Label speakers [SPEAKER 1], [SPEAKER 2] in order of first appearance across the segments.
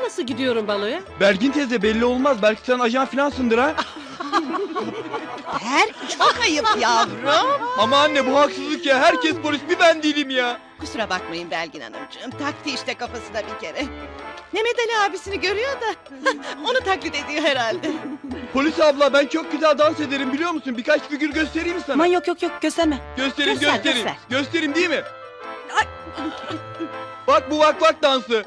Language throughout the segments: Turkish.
[SPEAKER 1] nasıl gidiyorum baloya?
[SPEAKER 2] Belgin teyze belli olmaz. Belki sen ajan filansındır ha.
[SPEAKER 3] Çok ayıp yavrum.
[SPEAKER 2] Ama anne bu haksızlık ya. Herkes polis, bir ben değilim ya.
[SPEAKER 3] Kusura bakmayın Belgin Hanımcığım. Taktı işte kafasına bir kere. Mehmet Ali abisini görüyor da onu taklit ediyor herhalde.
[SPEAKER 2] Polis abla, ben çok güzel dans ederim biliyor musun? Birkaç figür göstereyim mi sana?
[SPEAKER 4] Aman yok gösterme.
[SPEAKER 2] Göstereyim
[SPEAKER 3] Göster,
[SPEAKER 2] göstereyim.
[SPEAKER 3] göster.
[SPEAKER 2] Göstereyim değil mi? Bak bu vak vak dansı.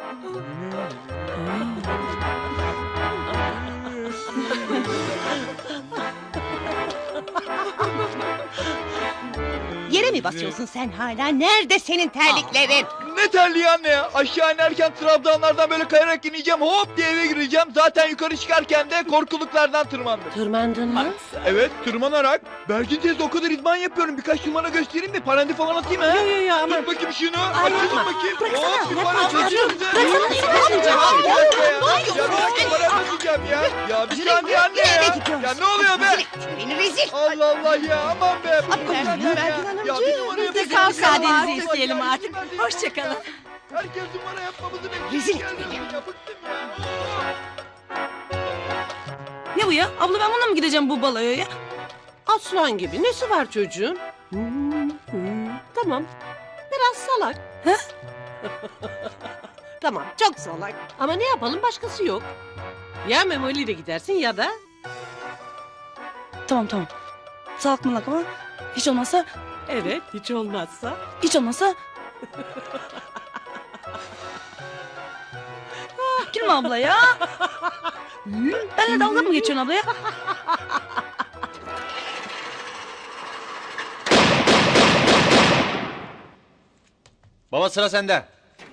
[SPEAKER 3] Yere mi basıyorsun sen hala? Nerede senin terliklerin?
[SPEAKER 2] Ne terliği anne ya? Aşağı inerken trabzanlardan böyle kayarak ineceğim. Hop diye eve gireceğim. Zaten yukarı çıkarken de korkuluklardan tırmandım.
[SPEAKER 1] Tırmandın mı?
[SPEAKER 2] Evet, tırmanarak. Belgin teyze o kadar idman yapıyorum. Birkaç numara göstereyim mi? Parandi falan atayım ha?
[SPEAKER 1] Yo ama.
[SPEAKER 2] Tut bakayım şunu.
[SPEAKER 1] Ay,
[SPEAKER 2] Tut
[SPEAKER 1] yapma.
[SPEAKER 2] bakayım.
[SPEAKER 1] Bıraksana,
[SPEAKER 2] Hop bir
[SPEAKER 1] yapma
[SPEAKER 2] para
[SPEAKER 1] çocuğum.
[SPEAKER 2] çözüyorum size.
[SPEAKER 1] Bıraksana,
[SPEAKER 2] Ya,
[SPEAKER 1] yapma.
[SPEAKER 2] bir dakika ya. Ya bir dakika para basacağım ya. Ya bir saniye anne
[SPEAKER 3] Nereye
[SPEAKER 2] ya.
[SPEAKER 3] gidiyorsun?
[SPEAKER 2] Ya ne oluyor be?
[SPEAKER 3] Beni rezil.
[SPEAKER 2] Allah Allah ya, aman be.
[SPEAKER 3] Belgin Hanımcığım,
[SPEAKER 2] Ya bir numara
[SPEAKER 3] biz de
[SPEAKER 2] yapacağım.
[SPEAKER 4] müsaadenizi
[SPEAKER 2] Ya,
[SPEAKER 4] isteyelim
[SPEAKER 2] ya,
[SPEAKER 4] artık.
[SPEAKER 2] izin verin.
[SPEAKER 4] Hoşçakalın.
[SPEAKER 2] Herkes numara yapmamızı bekliyor.
[SPEAKER 3] Rezil
[SPEAKER 2] Geldim
[SPEAKER 3] beni.
[SPEAKER 2] ya, bıktım ya.
[SPEAKER 4] Ne bu ya? Abla ben bununla mı gideceğim bu baloya ya?
[SPEAKER 1] Aslan gibi. Nesi var çocuğun? Tamam. Biraz salak. Tamam, çok salak. Ama ne yapalım, başkası yok. Ya Memoli ile gidersin ya da...
[SPEAKER 4] Tamam. Salak malak ama hiç olmazsa
[SPEAKER 1] Evet, hiç olmazsa.
[SPEAKER 4] Gülme abla ya. Benimle dalga mı geçiyorsun abla ya?
[SPEAKER 5] Baba sıra sende.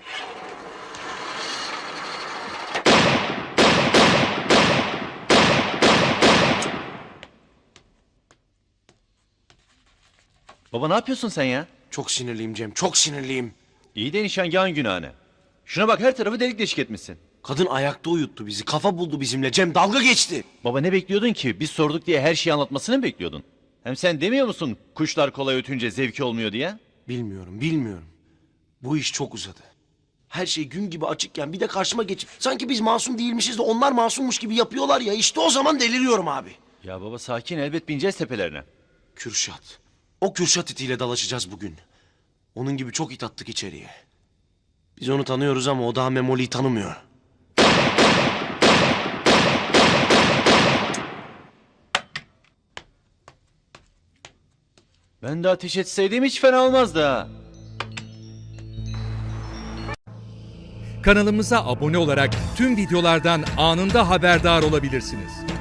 [SPEAKER 5] Baba ne yapıyorsun sen ya?
[SPEAKER 6] Çok sinirliyim Cem, çok sinirliyim.
[SPEAKER 5] İyi de nişangahın günahane. Şuna bak, her tarafı delik deşik etmişsin.
[SPEAKER 6] Kadın ayakta uyuttu bizi, kafa buldu bizimle. Cem dalga geçti.
[SPEAKER 5] Baba ne bekliyordun ki? Biz sorduk diye her şeyi anlatmasını mı bekliyordun? Hem sen demiyor musun kuşlar kolay ötünce zevki olmuyor diye?
[SPEAKER 6] Bilmiyorum. Bu iş çok uzadı. Her şey gün gibi açıkken bir de karşıma geçip... ...sanki biz masum değilmişiz de onlar masummuş gibi yapıyorlar ya... ...işte o zaman deliriyorum abi.
[SPEAKER 5] Ya baba sakin, elbet bineceğiz tepelerine.
[SPEAKER 6] Kürşat. O Kürşat itiyle dalaşacağız bugün. Onun gibi çok it attık içeriye. Biz onu tanıyoruz ama o daha Memoli'yi tanımıyor.
[SPEAKER 5] Ben de ateş etseydim hiç fena olmazdı ha.
[SPEAKER 7] Kanalımıza abone olarak tüm videolardan anında haberdar olabilirsiniz.